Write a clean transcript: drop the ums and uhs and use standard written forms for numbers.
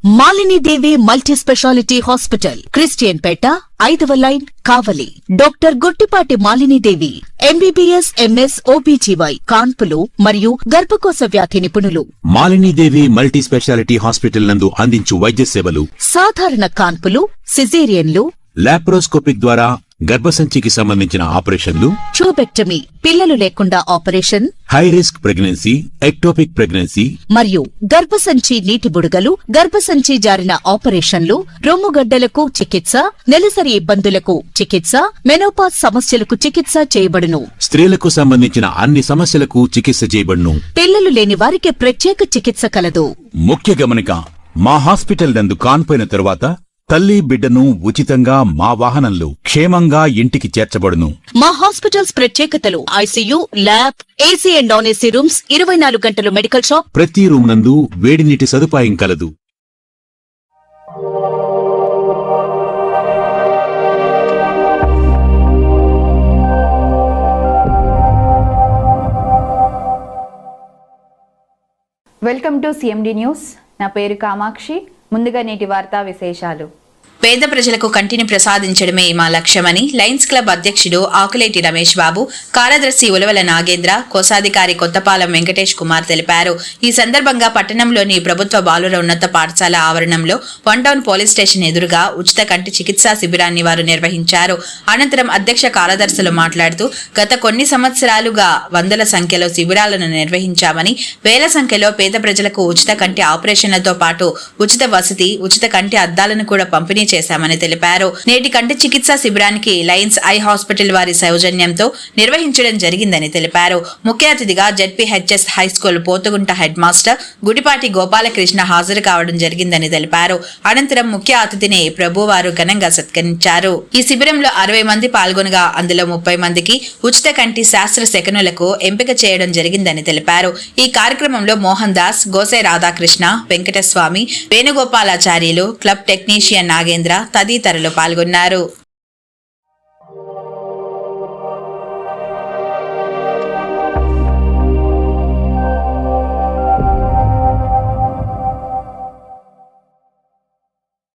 Malini Devi multi speciality hospital, Christian Peta, 5వ line, Kavali. Doctor Guttipati Malinidevi, MBBS, MS, OBGY, కాన్పులు మరియు గర్భకోశ వ్యాధి నిపుణులు. మాలినీదేవి మల్టీ స్పెషాలిటీ హాస్పిటల్ నందు అందించు వైద్య సేవలు: సాధారణ కాన్పులు, సిజేరియన్లు, లాప్రోస్కోపిక్ ద్వారా గర్భసంచికి సంబంధించిన ఆపరేషన్లు, ట్యూబెక్టమీ, పిల్లలు లేకుండా operation, high risk pregnancy, ectopic pregnancy మరియు గర్భసంచి నీటి బుడగలు, గర్భసంచి జారిన ఆపరేషన్లు, రొమ్ముగడ్డలకు చికిత్స, నెలసరి ఇబ్బందులకు చికిత్స, మెనోపాజ్ సమస్యలకు చికిత్స చేయబడును. స్త్రీలకు సంబంధించిన అన్ని సమస్యలకు చికిత్స చేయబడును. పిల్లలు లేని వారికి ప్రత్యేక చికిత్స కలదు. ముఖ్య గమనిక: మా హాస్పిటల్ నందు కాన్పోయిన తరువాత తల్లి బిడ్డను ఉచితంగా మా వాహనంలో క్షేమంగా ఇంటికి చేర్చబడును. మా హాస్పిటల్స్ ప్రత్యేకతలు: ICU, lab, AC and non AC rooms, 24 గంటలు మెడికల్ షాప్, ప్రతి రూమ్ నందు వేడి నీటి సదుపాయం కలదు. Welcome to CMD news. నా పేరు కామాక్షి. ముందుగా నేటి వార్తా విశేషాలు. పేద ప్రజలకు కంటిని ప్రసాదించడమే మా లక్ష్యమని లయన్స్ క్లబ్ అధ్యక్షుడు ఆకులేటి రమేష్ బాబు, కార్యదర్శి ఉలవల నాగేంద్ర, కోశాధికారి కొత్తపాలెం వెంకటేష్ కుమార్ తెలిపారు. ఈ సందర్భంగా పట్టణంలోని ప్రభుత్వ బాలుర ఉన్నత పాఠశాల ఆవరణంలో వన్ టౌన్ పోలీస్ స్టేషన్ ఎదురుగా ఉచిత కంటి చికిత్సా శిబిరాన్ని వారు నిర్వహించారు. అనంతరం అధ్యక్ష కార్యదర్శులు మాట్లాడుతూ, గత కొన్ని సంవత్సరాలుగా వందల సంఖ్యలో శిబిరాలను నిర్వహించామని, వేల సంఖ్యలో పేద ప్రజలకు ఉచిత కంటి ఆపరేషన్లతో పాటు ఉచిత వసతి, ఉచిత కంటి అద్దాలను కూడా పంపిణీ చేశామని తెలిపారు. నేటి కంటి చికిత్సా శిబిరానికి లయన్స్ ఐ హాస్పిటల్ వారి సౌజన్యంతో నిర్వహించడం జరిగిందని తెలిపారు. ముఖ్య అతిథిగా ZPHS high school Pothugunta head master Gudipati Gopalakrishna హాజరు కావడం జరిగిందని తెలిపారు. అనంతరం ముఖ్య అతిథిని ప్రభువారు ఘనంగా సత్కరించారు. ఈ శిబిరంలో 60 మంది పాల్గొనగా అందులో 30 మందికి ఉచిత కంటి శాస్త్ర శకనులకు ఎంపిక చేయడం జరిగిందని తెలిపారు. ఈ కార్యక్రమంలో మోహన్ దాస్, గోసే రాధాకృష్ణ, వెంకటస్వామి, వేణుగోపాలాచార్యులు, క్లబ్ టెక్నీషియన్ నాగేంద్ర తదితరులు పాల్గొన్నారు.